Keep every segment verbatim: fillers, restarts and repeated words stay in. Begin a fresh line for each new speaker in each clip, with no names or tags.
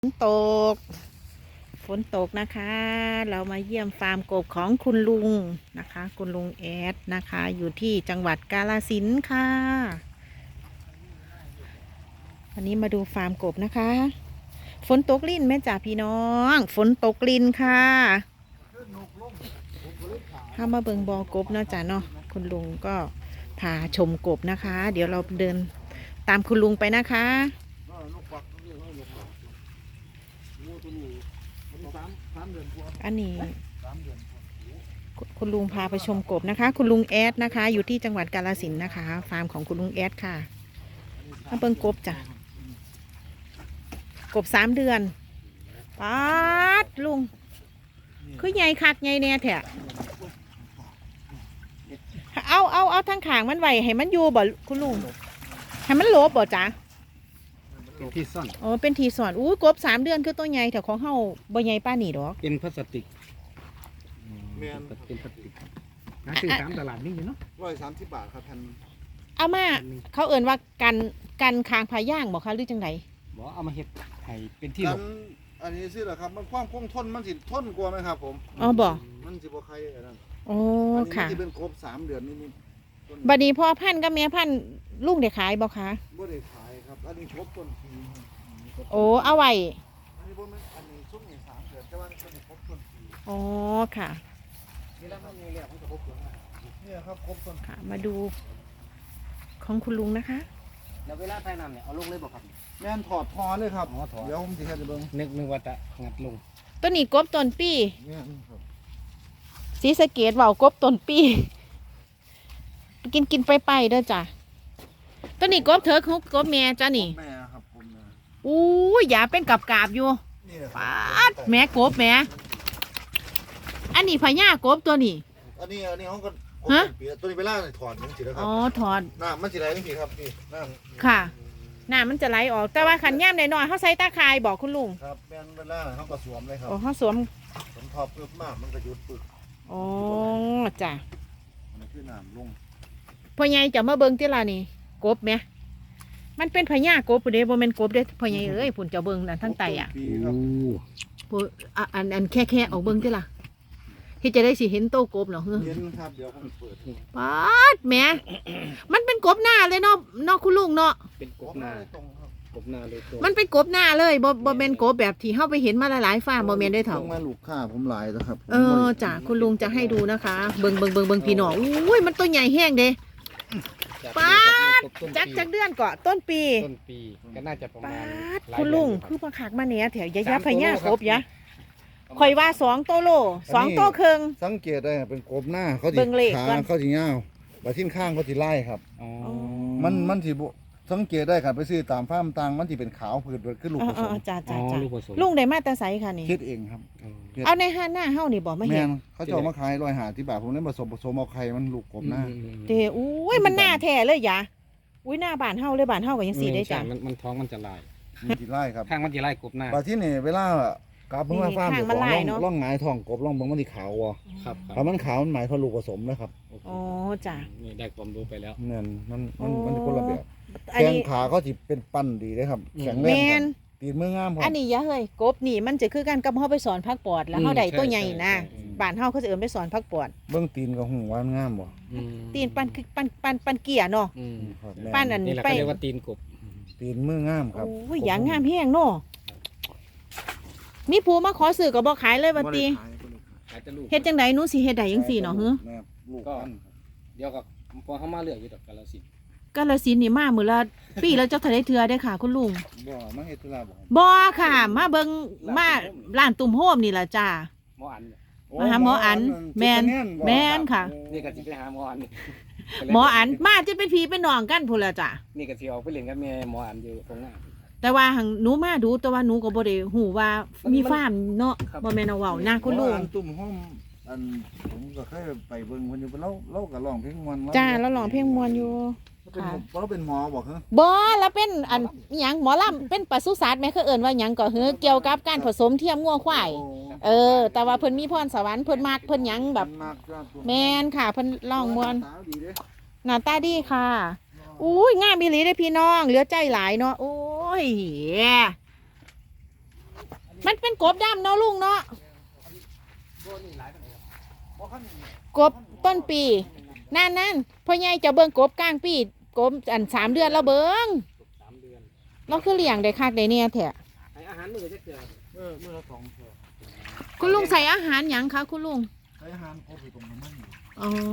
ฝนตกฝนตกนะคะ เรามาเยี่ยมฟาร์มกบของคุณลุงนะคะ คุณลุงแอดนะคะ อยู่ที่จังหวัดกาฬสินธุ์ค่ะวันนี้มาดูฟาร์มกบนะคะ ฝนตกลิ่นแม่จ่าพี่น้อง ฝนตกลิ่นค่ะถ้ามาเบิงบอกบเนาะจ้ะเนาะคุณลุงก็พาชมกบนะคะ เดี๋ยวเราเดินตามคุณลุงไปนะคะอันนี้คุณลุงพาไปชมกบนะคะ คุณลุงแอดนะคะ อยู่ที่จังหวัดกาฬสินธุ์นะคะ ฟาร์มของคุณลุงแอดค่ะมาเบิ่งกบจ้ะกบสามเดือนป๊าดลุงคือใหญ่คักใหญ่แน่แท้เอาเอาเอาทั้งขางมันไหวให้มันอยู่บ่คุณลุงให้มันโลบบ่จ้ะ
เป็นที่ซ่อน
อ๋อเป็นทีสอนอู้กบสามเดือนคือตัวใหญ่แต่ของเฮาบ่ใหญ่ป้านี่ดอก
เป็นพลาสติกเป็นพลาสติกหาซื้อตามตลาดนี่อยู่เนาะ
ร้อยสามสิบบาทครับพัน
เอามาเขาเอิ่นว่ากันกันคางพาย่างบอกคะหรือจังได
บอกเอามาเฮ็ดให้เป็นที่หลบ
อันนี้สิเหรอครับมันความคงทนมันสิทนกว่าไหมครับผม
อ๋อบอก
มันสิบ่ใครอันนั้น
อ๋อค่ะ
ที่เป็นกบสามเดือนนี่
บัดนี้พ่อพันธุ์กับแม่พันธุ์ลุงได้ขายบ่คะ
บ่ได้ขายครับอันนี้กบต้นปี
โอ้เอาไว้
อันนี้บ่แม่นอันนี้ซุ้มนี่สามเดือนแต่ว่าอันนี้กบต้นปี
อ๋อค่ะ
นี่แล้วมันมีแล้วมันจะกบต้นเนี่ยครับกบต้น
ค่ะมาดูของคุณลุงนะคะ
แล้วเวลาใส่น้ำเนี่ยเอาลงเลยบ่ครับ
แม่นถอดพอเลยครับเดี๋ยวผมสิเฮ็ดให้เบิ่ง
นึกนึกว่าจะงัดลง
ตัวนี้กบต้นปี
แม่นครับ
ศรีสะเกษเว้ากบต้นปีกินกินไปไปเด้อจ้ะตัวนี้กบเถอะของกบแม่จ้ะนี่
แม่ครับผมนะ
อู้ยอย่าเป็นกับกาบอยู่ปาดแม่กบแม่อันนี้พญากบตัวนี้
อันนี้อันนี้เขาก็ฮะตัวนี้ไปล่าถอดมันสิแล้วครับ
อ๋อถอด
น้ำมันสิไหลนี่สิครับนี่น้
ำค่ะน้ำมันจะไหลออกแต่ว่าขันย่ำหน่อยๆเขาใส่ตาคายบอกคุณลุง
ครับแม่นเวลาเขาก็สวมเลยครับ
อ๋อเขาสวม
สวมทอปึ๊บมากมันก็หยุดปึ๊บ
อ๋อจ้ะ
มันคือน้ำลง
พ่อใหญ่จะมาเบิ่งที่ละนี่กบไหมมันเป็นพญากบปุ่นเด้บ่แม่นกบเด้พ่อใหญ่เอ้ยปุ่นจะเบิ่งนั่นทั้งไตอ่ะปุ่นอันอันแค่แค่ออกเบิ่งที่ละที่จะได้สิเห็นโตกบเนาะเฮ้
เห็นครับเดี๋ยวผมเปิด
ป๊าดแหมมันเป็นกบหน้าเลยเนาะเนาะคุณลุงเนาะ
เป็นกบหน้า กบหน้าเลย
มันเป็นกบหน้าเลยบ่บ่เป็นกบแบบที่เฮาไปเห็นมาหลายๆฟาร์มบ่แม่นได้เถ่า
มาลูกค้าผมหลายแล้วครับ
เออจ้ะคุณลุงจะให้ดูนะคะเบิ่งเบิ่งเบิ่งเบิ่งพี่น้องอุ้ยมันตัวใหญ่แห้งเด้ป๊าดจักจักเดือนเกาะต้นปี
ต้นปีก็น่าจะประมาณ
คุณลุงคือมาขากมาเนี่ยแถวยะยะพญากบยะข่อยว่าสองโตโลสองโตครึ่ง
สังเกตได้เป็นกบหน้าเขาสิขาเขาสิยาวบาทิ้นข้างเขาสิไล่ครับมันมันสิสังเกตได้ครับไปซื้อตามฟาร์มต่างมันสิเป็นขาวผืดขึ้นลูกผสม
จ้าจ้าจ้าลุงได้มาแต่ไสค่ะนี่
คิดเองครับ
เอาในห้าหน้าเฮานี่บอกไม่เห็น
เขาจะมาขายร้อยหาที่บาทผมเล่นผสมผสมเอาไข่มันลูกกบหน้า
เด้อุ้ยมันหน้าแท้เลยยะอุ้ยหน้าบ้านเฮาเลยบ้านเฮาก็ยังสีได้จ้ะ
มันมันท้องมันจะลาย
มันจะไล่ครับ
ข้างมันจะไล่กบหน้า
บาที่นี่เวลากลับเมื่อฟาร์มของล่องหงายทองกบล่องบางมันที่ขาววะ
ครับ
ถ้ามันขาวมันหมายถึงลูกผสมนะครับ
อ๋อจ้ะ
นี่ได้ความรู้ไปแล้ว
เนี่ยมันมันมันคนละแบบแข้งขาเขาจะเป็นปั้นดีเลยครับแข็งแรงตีนมืองาม
อันนี้ยะเฮ้ยกบนี่มันจะคือการกับเฮาไปสอนพักปอดแล้วเฮาได้ตัวใหญ่นะบ้านเฮาเขาจะเอิ้นไปสอนพักปอด
เบื้องตีนกับหูว่างามบ่
ตีนปั้นคือปั้นปั้นปั้นเกียร์เนาะปั้นอัน
ไปเรียกว่าตีนกบ
ตีนมืองามครับ
โอ้ยอย่างงามแห้งเนาะมีผู้มาขอซื้อก็บ่ขายเลยว่าติเฮ็ดจังได๋หนูสิเฮ็ดได้จังซี่เนาะฮึ
ก็เดี๋ยวก็พอเฮามาเลือกอยู่ดอกกาฬสินธุ์
กาฬสินธุ์นี่มามื้อละปีแล้วเจ้าทะเลเทือได้ค่ะคุณลุง
บ่มาเฮ็ดธุระบ่
บ่ค่ะมาเบิ่งมาร้านตุ่มโฮมนี่ล่ะจ้า
หมออัน
มาหาหมออันแม่นแม่นค่ะ
นี่ก็สิไปหาหมออัน
หมออันมาจะเป็นพี่เป็นน้องกันพุ่นล่ะจ้า
นี่ก็สิออกไปเล่นกับแม่หมออันอยู่ตรงนั้น
แต่ว่าหังหนูมาดูแต่ว่าหนูก็บ่ได้ฮู้ว่ามีฟาร์มเนาะบ่แม่นเอาเว้านะคุณลุง
ตุ่มโฮมอันผมก็เคยไปเบิ่งเพิ่นอยู่เราเราก็ร้องเพลงม่วน
จ้าเราร้องเพลงม่วนอยู่
ค่ะเราเป็นหมอบ่ฮะ
บ่แล้วเป็นอันหยังหมอลำเป็นปศุสัตว์แม่เขาเอิ้นว่าหยังก็คือเกี่ยวกับการผสมเทียมงัวควายเออแต่ว่าเพิ่นมีพรสวรรค์เพิ่นมักเพิ่นหยังแบบแม่นค่ะเพิ่นร้องม่วนหน้าตาดีค่ะอุ้ยงามอีหลีเด้อพี่น้องเหลือใจหลายเนาะโอ้ยมันเป็นกบดำเนาะลุงเนาะ
บ่นี่หลายปานใดครับ
บ่คัน
กบต้นปีนั่นนั่นพ่อใหญ่จะเบิ่งกบกลางปีกบอันสามเดือนแล้วเบิ่ง
สามเดือน
เราคือเลี้ยงได้คักได้เนี่ยแท้
ให้อาหารมื้อจักเทื่อ
เออมื้อละสองเทื่อ
คุณลุงใส่อาหารหยังคะคุณลุง
ใช้อาหารครบอยู่ตรงน้ำมันอยู่
อ๋อ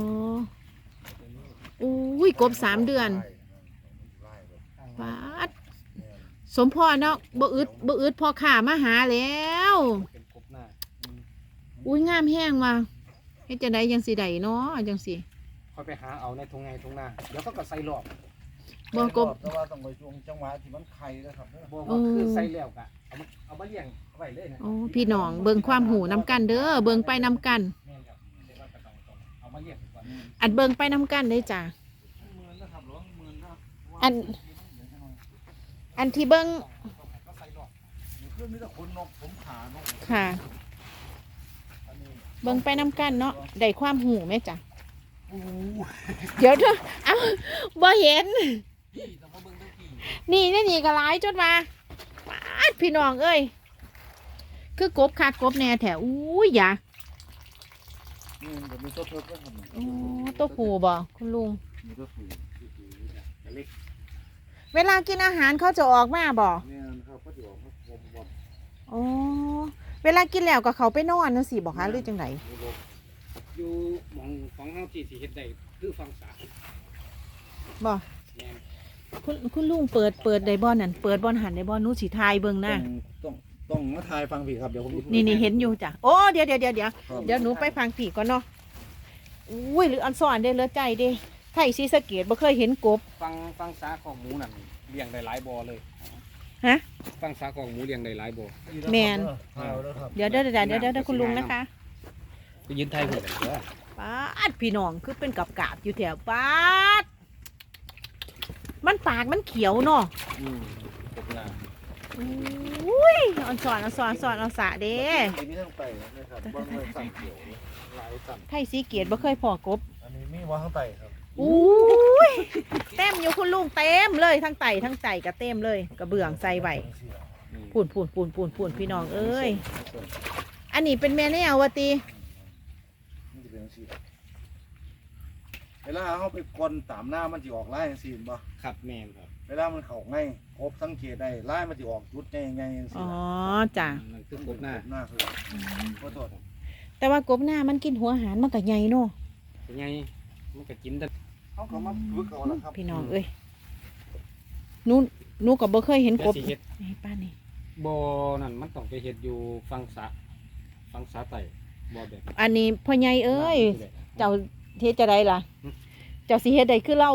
อุ้ยกบสามเดือนปาดสมพ่อเนาะบ่อึดบ่อึดพ่อข้ามาหาแล้ว
เป็นกบหน้า
อุ้ยงามแห้งว่ะเฮ็ดจังไดจังสิได้เนาะจังสิ
ค่อยไปหาเอาในทุ่งไงทุ่งนาเดี๋ยวเขาก็ใส่รอบ
บ่กบ
แต่ว่าต้องไปช่วงจังหวะที่มันไข่นะครับเด้อ
บ่ว่าคือใส่แล้วก็เอามาเอามาเลี้ยงไว้เลยนะ
โอ้พี่น้องเบิ่งความหูนำกันเด้อเบิ่งไปนำกัน
แม่นครับเดี๋ยวเราก็ต้องต้องเอามาเลี้ยงก่อน
อันเบิ่งไปนำกันเด้อจ้ะ
หมื่นนะครับหรอหมื่นครับ
อัน อันที่เบิ่ง
ก็ใส่รอบ
เพื่อนมีแต่คนนกผมขานก
ค่ะ
อันนี้
เบิ่งไปนำกันเนาะได้ความหูไหมจ้ะ
โอ้โห
เดี๋ยวเถอะเอ้าบ่เห็น
พี่ต้องมาเบิ่งทั้งพี่
นี่นี่นี่ก็หลายจนมาปาดพี่น้องเอ้ยคือกบคักกบแน่แถวอุ้ยอย่า
นี่เดี๋ยวมีตัวเพิ่มด้วยครับ
โอ้ตัวผูบ่คุณลุง
มีตัวผู
เล็ก
เวลากินอาหารเขาจะออกมาบ่
เนี่ยนะครับก็จะบอกว่าผมบอก
อ๋อเวลากินแล้วก็เขาไปนอนนั่นสิบอกคะหรือจังไหน
อยู่หมองของเฮาที่สิเฮ็ดได้คือฟังสา
บ่
แม่น
คุณคุณลุงเปิดเปิดได้บ่นั่นเปิดบ่หันได้บ่หนูสิทายเบิ่ง
ต้
นะ
องต้องต้องมาทายฟังพี่ครับเดี๋ยวผม
นี่นี่เห็นอยู่จ้ะโอ้เดี๋ยวเดี๋ยวเดี๋ยวเดี๋ยว
ครับ
เดี๋ยวหนูไปฟังผีก่อนเนาะอุ้ยหรืออันสอนได้เหลือใจเด้ไทยศรีสะเกษบ่เคยเห็นกบ
ฟังฟังสาของหมูนั่นเลี้ยงได้หลายบ่อเลย
ฮะ
ฟังสาของหมูเลี้ยงได้หลายบ่อ
แมน
ทายแล้วครับ
เดี๋ยวเดี๋ยวเดี๋ยวเดี๋ยวเดี๋ยวคุณลุงนะคะ
ไปยืนไทยเพิ่นเด้อ
ปาดพี่น้องคือเป็นกับกาบอยู่แถวปาดมันปากมันเขียวเนาะ
อืมกบหน้า
อุ้ยอันสอนอันสอนอันสอนอันสะเด้
มีทั้งไตนะครับบ้างเลยสั่งเขียวหลายสั่ง
ไทยศรีเกษบ่เคยพอกบ
อันนี้มีว่าทั้งไตครับ
อุ้ยเต็มอยู่คุณลุงเต็มเลยทั้งไตทั้งใจก็เต็มเลยกระเบื้องใส่ไว้ปูนปูนปูนปูนปูนพี่น้องเอ้ยอันนี้เป็นแม่แนววะตี
มันจะเป็นสีเวลาเขาไปกลนตามหน้ามันจะออกไล่สีบ่
ครับแม่นครับ
เวลามันเข่าง่ายครบสังเกตได้ไล่มันจะออกจุดง่ายง่ายสี
อ๋อจ้ะ
นั่นคือกบหน้า
หน้าคือขอโทษ
แต่ว่ากบหน้ามันกินหัวอาหารมันก็ใหญ่เนาะ
เป็นไงมันก็กินได้
เขาก็มาฝึกเอาละครับ
พี่น้องเอ้ยหนูหนูก็บ่เคยเห็นก
แต่
บ
สิเฮ็ด
นี่ป้านี่
บ่อนั่นมันต้องไปเฮ็ดอยู่ฟังสาฟังสาไตบ่อแบบ
อันนี้พ่อใหญ่เอ้ย
เจ้า
เจ้าเฮ็ดจะได้ล่ะ เจ้าสิเฮ็ดได้คือเรา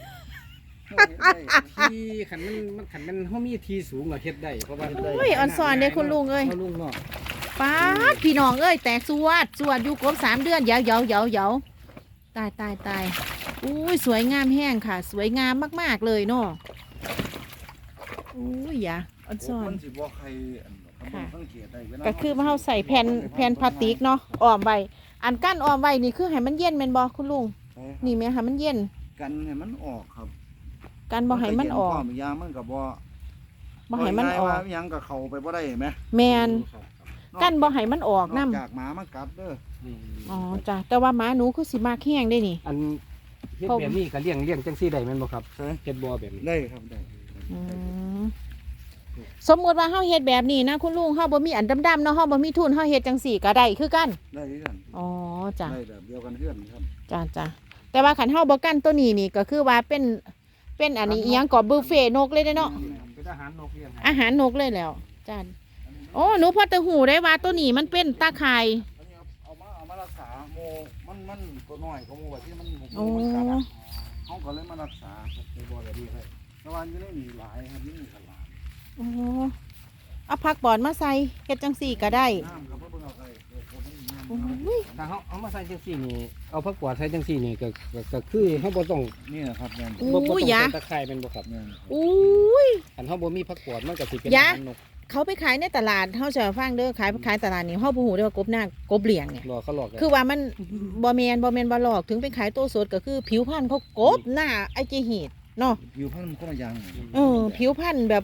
ที่ขันมันมันขันมันเฮามีที่สูงเราเฮ็ดได้เพราะว่า
โอ้ยอ่อนสอนเด้คุณลุงเอ้ย
เฮาลุงเนาะ
ป้าดพี่น้องเอ้ยแตกสวดสวดอยู่กบสามเดือนเหยาเหยาเหยาเหยาตายตายตายอุ้ยสวยงามแห้งค่ะ สวยงามมากๆเลยเนาะอุ้ยอย่าอ่อนสอน
มันสิบ่ใครสังเกตได้เวลา
ก็คือว่าเราใส่แผ่นแผ่นพลาสติกเนาะอ้อมไว้อันกั้นอ้อมไว้นี่คือให้มันเย็นแม่นบ่คุณลุงนี่แม่ให้มันเย็น
กันให้มันออกครับ
กันบ่ให้มันออก
ความยางมันก็บ่
บ่ให้มันออก
ว่ายังก็เข้าไปบ่ได้เห็นไหม
แมนกันบ่ให้มันออก
น
นํ
อกจากหมามากัดเด้อ
อืม
อ๋อจ้ะแต่ว่าหมาหนูคือสิมากแห้งได้นี่
อันเฮ็ดแบบนี้ก็เลี้ยงเลี้ยงจังซี่ได้แม่นบ่ครับเฮ็ดบ่อแบบนี้
ได้ครับได้
อืมสมมุติว่าเฮาเฮ็ดแบบนี้นะคุณลุงเฮาบ่มีอันดำๆเนาะเฮาบ่มีทุนเฮาเฮ็ดจังสี่ก็ได้คือกัน
ได้ด้วยกัน
อ๋อจ้ะ
ได้แบบเดียวกันเพื่อนครับ
จ้ะจ้ะแต่ว่าคันเฮาบ่กันตัวนี้นี่ก็คือว่าเป็นเป็นอันนี้อีหยังก็บุฟเฟ่นกเลยเด้อเนาะ
เป็นอาหารนกเลี้ยงให้
อาหารนกเลยแล้วจ้ะโอ้หนูพอจะหูได้ว่าตัวนี้มันเป็นตาข่าย
อันนี้เอามาเอามารักษาโมมันมันตัวน้อยก็โมว่าที่มัน
โอ้
มันกัดอะเขาก็เลยมารักษาครับในบ่อแบบนี้ครับแต่ว่าอยู่ในนี่หลายครับนี่มีขลาด
โอ้เอาผักบอนมาใส่เฮ็ดจังสี่ก็ได้
น้ำครับเพิ่งเอาไปเออเขาไม่มีน้ำ
โอ้ย
ถ้าเฮาเอามาใส่จังซี่นี่เอาผักกวาดใส่จังซี่นี่ก็ก็ก็คือเฮาบ่ต้อง
นี่นะครับแม่น
อู้
บ่บ่ต้อง
ยะ
ใส่ตะไคร้แม่นบ่ครับ
แม่น
อุ้ย
อันเฮาบ่มีผักกวาดมันก็สิเป็น
ยะ
อาหารนก
เขาไปขายในตลาดเฮาจะฟังเด้อขายขายตลาดนี่เฮาบ่ฮู้เด้อว่ากบหน้ากบเหลี่ยงเนี่ย
รอเขาหลอกกัน
คือว่ามันบ่แม่นบ่แม่นบ่หลอกถึงไปขายโตสดก็คือผิวพรรณเขากบหน้าไอจิหีดเนาะ
อยู่พันธุ์มันก็มายัง
เออผิวพรรณแบบ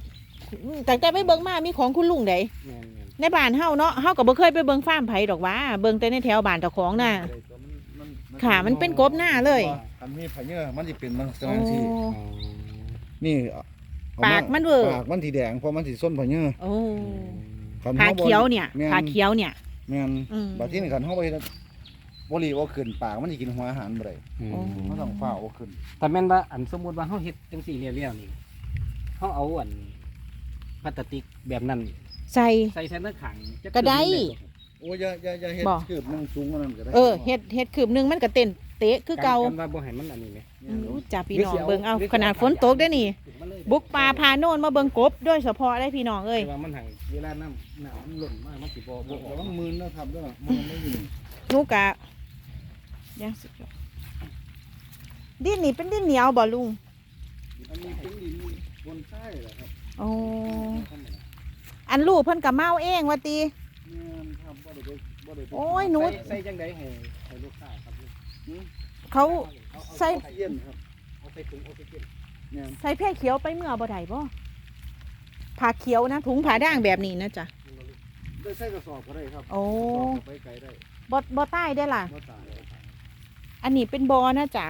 แต่แต่ไปเบิ่งมามีของคุณลุงใด
แม่นแม่น
ในบ้านเฮาเนาะเฮาก็บ่เคยไปเบิ่งฟาร์มไผดอกว่าเบิ่งแต่ในแถวบ้านเจ้าของน่ะ ค่ะมันเป็นกบหน้าเลย
อันนี้พะเยอะมันสิเป็นลักษ
โอ้
ณะที่
อ๋อ
นี่เอ
ปากมันเวอร์
ปากมันสีแดงเพราะมันสีส้นพะเยอะ
โอ้
คัน
ผา
เฮาบ่
เขียวเนี่ย
แม่น
ผาเขียวเนี่ย
แม่น
อืม
บัดที่นี่คันเฮาไปบ่รีบเอาขึ้นปากมันสิกินหัวอาหารบ่ได้
อืม
โอ้
มันต้องฟ้าเอาขึ้น
แต่แม่นว่าอันสมมุติว่าเฮาเฮ็ดจังซี่เรียวๆนี่เฮาเอาอันพลาสติกแบบนั้น
ใส่
ใส่แทนตะขังจะ
ก็ได้
โอ้ยอย่าอย่าอย่าเฮ็ด
บ่
คืบนึงสูงกว่านั้นก็ได้
เออเฮ็ดเฮ็ดคืบหนึงมันก็เต้นเตะคือเก่า
กันว่าบ่ให้มันอันนี้แหม
อืมอู้จ้าพี่น้องเบิ่งเอาขนาดฝนตกได้อนี่ บุกป่าพาโน่นมาเบิ่งกบโดยเฉพาะได้พี่น้องเอ้ย
แต่ว่ามันหังเวลาน้ำน้ำมันหล่นมากมันสิบ่บ่อ
ระ
อก
วังมือนะครับเด้อมันไม่อยู่นี่
หนูกะยังสุดยอดดินนี่เป็นดินเหนียวบ่ลุง
อันนี้เป็นดินบนใต้เหรอครับ
โอ้อันลูกเพิ่นก็เมาเองว่าติ
แม่นครับบ่ได้ไปบ่ได้ไป
โอ้ยหนู
ใส่ใส่จังไดให้ให้ลูกค้าครับ
เขา
เอาเอา
ใส่
เย็นครับ
เอาใส่ถุงเอาใส่เก็บ
แม่น
ใส่แพร่เขียวไปเมื่อบ่ได้บ่ผ้าเขียวนะถุงผ้าด่างแบบนี้นะจ๊ะ
ได้ใส่กระสอบก็ได้ครับ
โอ้
กระสอบก็ไปไกลได้
บ่บ่ใต้ได้ล่ะ
บ่ตาย
อันนี้เป็นบอนะจ๊ะ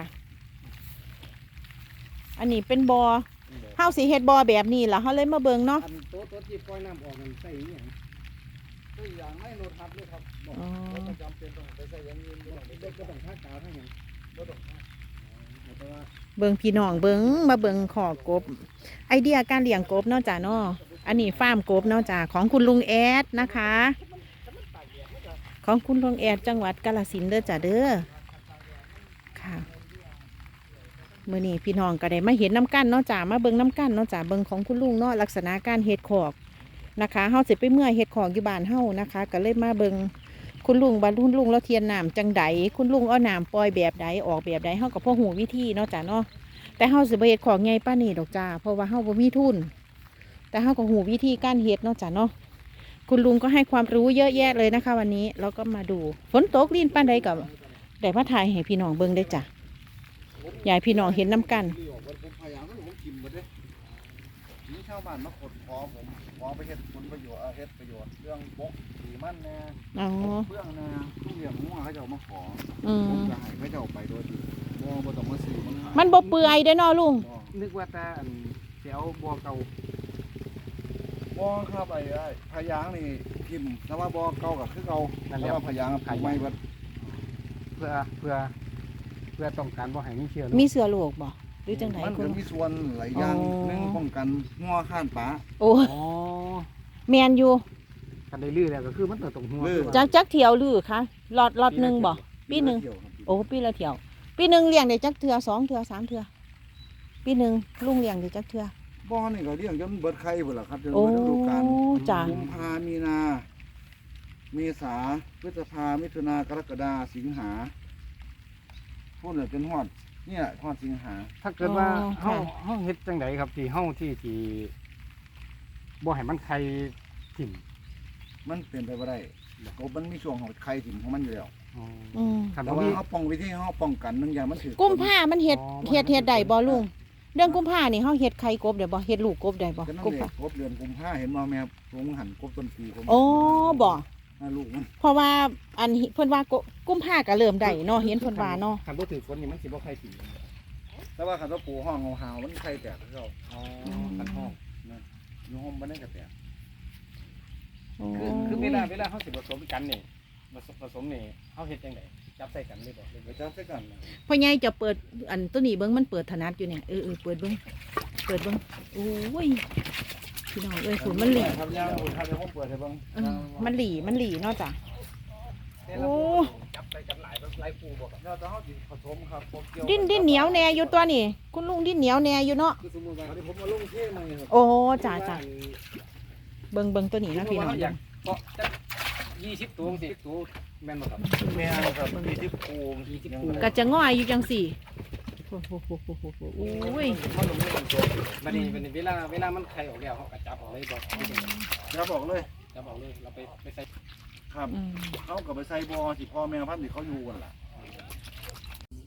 อันนี้เป็นบอเฮาสิเฮ็ดบอแบบนี้ล่ะเฮาเลยมาเบิ่งเนาะ
อันโต๊ะโต๊ะที่ปล่อยน้ำออกมันใส่อีหยัง
ตัวอย่างไม่รถทับเลยครับบอก
อ๋อ
เราก็จำเป็นต้องไปใส่อย่างอื่นบ่ต้องไป
เด็กก็ต้องทากาวเท่าหยัง
บ่ต้องทับ
แต่ว่า
เบิ่งพี่น้องเบิ่งมาเบิ่งขอกบ ไอเดียการเลี้ยงกบเนาะจ้ะเนาะอันนี้ฟาร์มกบเนาะจ้ะของคุณลุงแอดนะคะ ของคุณลุงแอดจังหวัดกาฬสินธุ์เด้อจ้ะเด้อค่ะมื้อนี้พี่น้องก็ได้มาเห็นน้ำกั้นเนาะจ้ะมาเบิ่งน้ำกั้นเนาะจ้ะเบิ่งของคุณลุงเนาะลักษณะการเฮ็ดขอกนะคะเฮาสิไปเมื่อยเฮ็ดขอกอยู่บ้านเฮานะคะก็เลยมาเบิ่งคุณลุงบรรลุลุงแล้วเทียนน้ำจังใดคุณลุงเอาน้ำปล่อยแบบใดออกแบบใดเฮาก็พอหูวิธีเนาะจ้ะเนาะแต่เฮาสิบ่เฮ็ดของใหญ่ป้านนี้ดอกจ้าเพราะว่าเฮาบ่มีทุน แต่เฮาก็หูวิธีการเฮ็ดเนาะจ้ะเนาะคุณลุงก็ให้ความรู้เยอะแยะเลยนะคะ วันนี้เราก็มาดูฝนตกลิ้นป้านใดกับได้มาถ่ายให้พี่น้องเบิ่งได้จ้ะยายพี่น้องเห็นน้ำกัน
ที่ออกวันผมพยายามให้ผมกินหมดเด้นี่ชาวบ้านมาขดขอผมขอไปเฮ็ดผลประโยชน์เอาเฮ็ดประโยชน์เรื่องบกสีมันแน่
อ๋อ
เรื่องแน่ทุกอย่างงัวเขาเจ้ามาขอ
อื
ผม
ม
จะให้เขาเจ้าไปโดยที่บ่บ่ต้องมาซื้อมันขาย
มันบ่เปื่อยเด้อเนาะลุง
บ่
นึกว่าแต่อันสิเอาบัวเก่า
บ่ครับไอ้ไอ้พะยางนี่พิมพ์แต่ว่าบ่เก่าก็คือเก่าแต่ว่าพะยางปลูกใหม่เบิด
เพื่อเพื่อเพื่อต้องการบ่ให้มีเชื้อโรค
มีเสือโลกบ่หรือจังได
มัน
คุ
ก็
ณ
มีส่วนหลายอย่าง
อ๋อ
หนึ่งป้องกันงัวข้านป่า
โอ้
อ๋อ
แม่นอยู่
คันได้ลื้อแล้วก็คือมันเติบตรงหัว
ลื้อ
จักจักเที่ยวลือคะลอดลอดหนึงบ่ ปีหนึ่ง
เที่ยวครับ
โอ้ปีละเที่ยว ปีหนึงเลี้ยงได้จักเทื่อสองเทื่อสามเทื่อปีหนึงลุงเลี้ยงได้จักเทื่อ
บ่อนี่ก็เลี้ยงจนเบิดไข่เบิดล่ะครับจน
โอ้
เบิดฤดูกาล
จ้ะ
กุมภามีนา เมษาพฤษภามิถุนากรกฎาสิงหาพูดเลยเป็นฮอดเนี่ยฮอดสิงหา
ถ้าเกิดว่า
อ๋อ
เฮา
ค่ะ
เฮาเฮ็ดจังไดครับที่เฮาที่ที่บ่ให้มันไข่ถิ่ม
มันเป็นไปบ่ได้กบมันมีช่วงของไข่ถิ่มของมันอยู่แล้ว
อ๋อ
อืม
คัน
แต่
บ่
ว่า
มี
เขาป้องวิธีเขาป้องกันหนึงอย่างมันถือ
กุมภามันเฮ็ด
อ๋อ
เฮ็ดเฮ็ดได้บ่ลุงเรื่องกุมภานี่เฮาเฮ็ดไข่กบได้บ่เฮ็ดลูกกบได้บ่
ก็นั่น
กุม
เอ
ภาง
กบเดือนกุมภาเห็นบ่แม่ลงหันกบต้นปีผม
โอ้บ่
น่าลูกมัน
เพราะว่าอันเพิ่นว่ากุกุมภาก็เริ่มได้เนาะเห็นเพิ่นว่าเนาะ
คันบ่ถือฝนนี่มันสิบ่ไข่ถิ่ม
แต่ว่าขันตัวปูห้องเฮาๆมันไข่แตกเขา
อ๋อคันห้อง
อยู่ห้องบ่ได้ก็แตก
คือคือเวลาเวลาเฮาสิผสมกันนี่ผสมผสมนี่เฮาเฮ็ดจังไดจับใส่กันเลยบ่หรือ
ไป
ว่า
จับใส่กันนะ
พ่อใหญ่จะเปิดอันตัวนี้เบิ่งมันเปิดถนัดอยู่เนี่ยเออเออเปิดเบิ่งเปิดเบิ่งโอ้ยพี่น้องเอ้ยฝุ่นมันหลี
ครับยาวครับเดี๋ยวผมเปิดให้เบิ่ง
เออมันหลีมันหลีเนาะจ้ะ โอ้
จับใส่กันหลายหลายปูบ่ครับ
แล้วแต่เฮาสิผสมครับผมเกี่ยว
ดิ้นดิ้นเหนียวแน่อยู่ตัวนี่คุณลุงดิ้นเหนียวแน่อยู่เนาะ
คือสมมุติว่า
อันนี้ผมมาลงเทใหม่ครับ
โอ้จ้าจ้าเบิ่งเบิ่งตัวนี้นะพี่น้อง
อยากเกาะจักยี่สิบตัวสิบตัวแม่นบ่ครับ
แม่นครับมีที่ปู
ยี่สิบปู
ก็จะง่อยอยู่จังสี่โอ้โหโหโหโหโหโอ้ย
เขาลงไม่ลงตัวบัดนี้บัดนี้เวลาเวลามันไข่ออกแล้วเขาก็จับออกเลยบ่
อย่าบอกเลย
จับออกเลยเราไปไปใส่
ครับ
อืม
เขากับไปใส่บอที่พ่อแม่พันธุ์ที่เขาอยู่กันล่ะ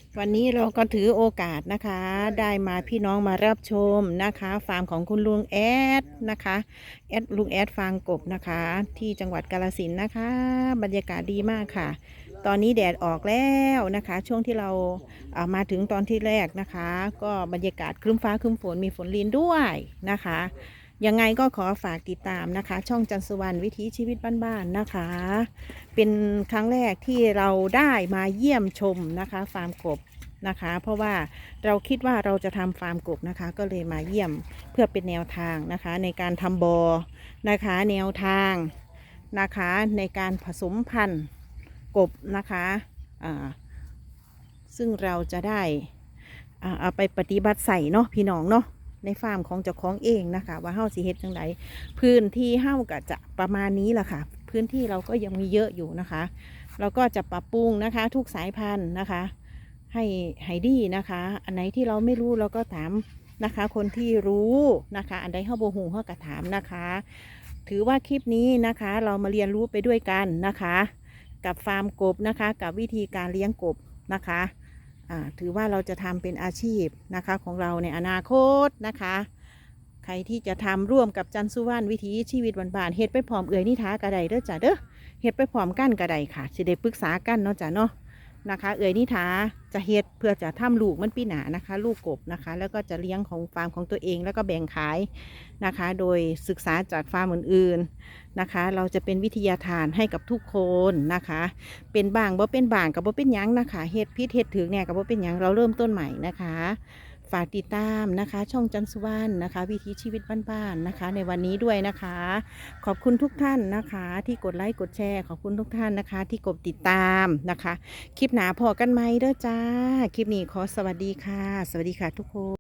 วันนี้เราก็ถือโอกาสนะคะ ได้มาพี่น้องมารับชมนะคะฟาร์มของคุณลุงแอดนะคะแอดลุงแอดฟาร์มกบนะคะ ที่จังหวัดกาฬสินธุ์นะคะ บรรยากาศดีมากค่ะ ตอนนี้แดดออกแล้วนะคะ ช่วงที่เราเอามาถึงตอนที่แรกนะคะ ก็บรรยากาศครึ้มฟ้าครึ้มฝนมีฝนลินด้วยนะคะยังไงก็ขอฝากติดตามนะคะ ช่องจันทร์สุวรรณวิถีชีวิตบ้านๆนะคะ เป็นครั้งแรกที่เราได้มาเยี่ยมชมนะคะฟาร์มกบนะคะ เพราะว่าเราคิดว่าเราจะทำฟาร์มกบนะคะ ก็เลยมาเยี่ยมเพื่อเป็นแนวทางนะคะ ในการทำบอนะคะแนวทางนะคะในการผสมพันธุ์กบนะคะอ่าซึ่งเราจะได้อ่าเอาไปปฏิบัติใส่เนาะพี่น้องเนาะในฟาร์มของเจ้าของเองนะคะ ว่าเฮ้าสิเฮ็ดจังไดพื้นที่เฮ้าก็จะประมาณนี้แหละค่ะพื้นที่เราก็ยังมีเยอะอยู่นะคะ เราก็จะปรับปรุงนะคะทุกสายพันธุ์นะคะให้ให้ดีนะคะ อันไหนที่เราไม่รู้เราก็ถามนะคะคนที่รู้นะคะอันใดเฮ้าโบหูเฮ้าก็ถามนะคะ ถือว่าคลิปนี้นะคะเรามาเรียนรู้ไปด้วยกันนะคะ กับฟาร์มกบนะคะกับวิธีการเลี้ยงกบนะคะอ่าถือว่าเราจะทำเป็นอาชีพนะคะของเราในอนาคตนะคะ ใครที่จะทำร่วมกับจันทร์สุวรรณวิถีชีวิตบ้านๆเฮ็ดไปพร้อมเอื่อยนิทากระไดเด้อจ้ะเด้อเฮ็ดไปพร้อมกันกระไดค่ะสิได้ปรึกษากันเนาะจ้ะเนาะนะคะ เอื่อยนิทาจะเฮ็ดเพื่อจะทำลูกมันปีหนานะคะ ลูกกบนะคะ แล้วก็จะเลี้ยงของฟาร์มของตัวเองแล้วก็แบ่งขายนะคะ โดยศึกษาจากฟาร์มอื่นๆนะคะ เราจะเป็นวิทยาทานให้กับทุกคนนะคะ เป็นบางบ่เป็นบางกับบ่เป็นหยังนะคะเฮ็ดพิษเฮ็ดถึงเนี่ยกับบ่เป็นหยังเราเริ่มต้นใหม่นะคะฝากติดตามนะคะช่องจันทร์สุวรรณนะคะวิถีชีวิตบ้านๆนะคะในวันนี้ด้วยนะคะ ขอบคุณทุกท่านนะคะที่กดไลค์กดแชร์ขอบคุณทุกท่านนะคะที่กดติดตามนะคะคลิปหนาพอกันไหมเด้อจ้าคลิปนี้ขอสวัสดีค่ะสวัสดีค่ะทุกคน